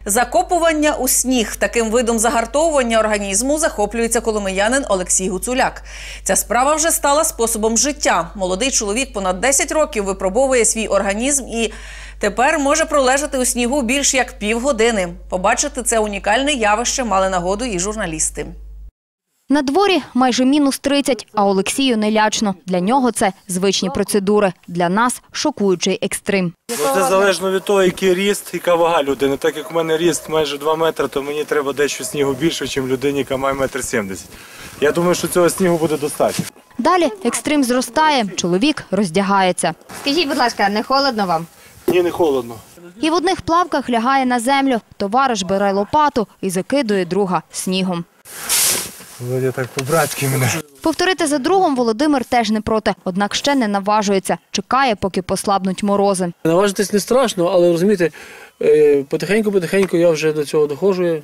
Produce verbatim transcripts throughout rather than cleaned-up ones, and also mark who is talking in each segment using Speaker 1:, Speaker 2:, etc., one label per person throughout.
Speaker 1: Закопування у сніг. Таким видом загартовування організму захоплюється коломиянин Олексій Гуцуляк. Ця справа вже стала способом життя. Молодий чоловік понад десять років випробовує свій організм і тепер може пролежати у снігу більш як півгодини. Побачити це унікальне явище мали нагоду і журналісти.
Speaker 2: На дворі майже мінус тридцять, а Олексію не лячно. Для нього це звичні процедури. Для нас – шокуючий екстрим.
Speaker 3: Це залежно від того, який ріст, яка вага людини. Так як у мене ріст майже два метри, то мені треба дещо снігу більше, ніж людині, яка має метр сімдесят. Я думаю, що цього снігу буде достатньо.
Speaker 2: Далі екстрим зростає, чоловік роздягається.
Speaker 4: Скажіть, будь ласка, не холодно вам?
Speaker 3: Ні, не холодно.
Speaker 2: І в одних плавках лягає на землю. Товариш бере лопату і закидує друга снігом.
Speaker 3: Володя так по-братськи мене.
Speaker 2: Повторити за другом Володимир теж не проти, однак ще не наважується. Чекає, поки послабнуть морози.
Speaker 5: Наважитись не страшно, але, розумієте, потихеньку-потихеньку я вже до цього доходжу.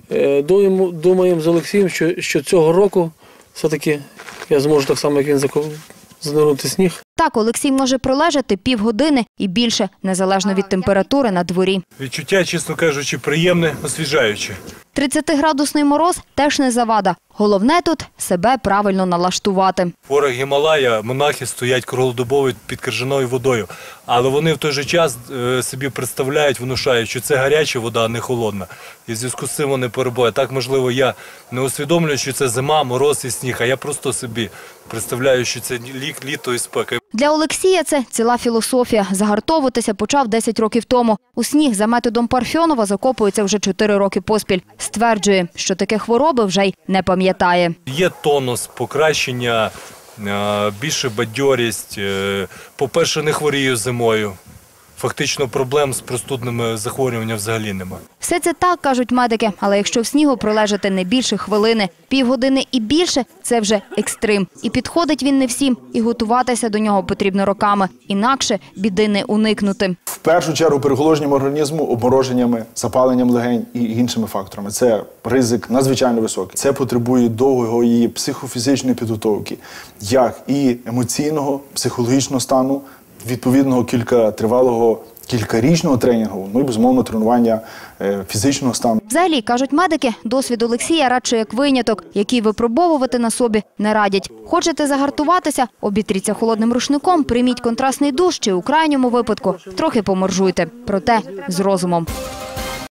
Speaker 5: Думаємо з Олексієм, що, що цього року все-таки я зможу так само, як він, занурити сніг.
Speaker 2: Так, Олексій може пролежати півгодини і більше, незалежно від температури на дворі.
Speaker 3: Відчуття, чесно кажучи, приємне, освіжаюче.
Speaker 2: тридцятиградусний мороз теж не завада. Головне тут – себе правильно налаштувати.
Speaker 3: В горах Гімалая монахи стоять круглодобово під крижаною водою. Але вони в той же час собі представляють, внушають, що це гаряча вода, а не холодна. І в зв'язку з цим вони перебувають. Так, можливо, я не усвідомлюю, що це зима, мороз і сніг, а я просто собі представляю, що це літо і спека.
Speaker 2: Для Олексія це ціла філософія. Загартовуватися почав десять років тому. У сніг за методом Парфьонова закопується вже чотири роки поспіль. Стверджує, що таке хвороби вже й не пам'ятає.
Speaker 3: Є тонус, покращення, більше бадьорість. По-перше, не хворію зимою. Фактично проблем з простудними захворюваннями взагалі немає.
Speaker 2: Все це так, кажуть медики, але якщо в снігу пролежати не більше хвилини, півгодини і більше – це вже екстрим. І підходить він не всім, і готуватися до нього потрібно роками. Інакше біди не уникнути.
Speaker 6: В першу чергу переохолодженням організму, обмороженнями, запаленням легень і іншими факторами. Це ризик надзвичайно високий. Це потребує довгої психофізичної підготовки, як і емоційного, психологічного стану, відповідного кількатривалого, кількарічного тренінгу, ну і, безумовно, тренування фізичного стану.
Speaker 2: Взагалі, кажуть медики, досвід Олексія радше як виняток, який випробовувати на собі не радять. Хочете загартуватися? Обітріться холодним рушником, прийміть контрастний душ чи, у крайньому випадку, трохи поморжуйте. Проте з розумом.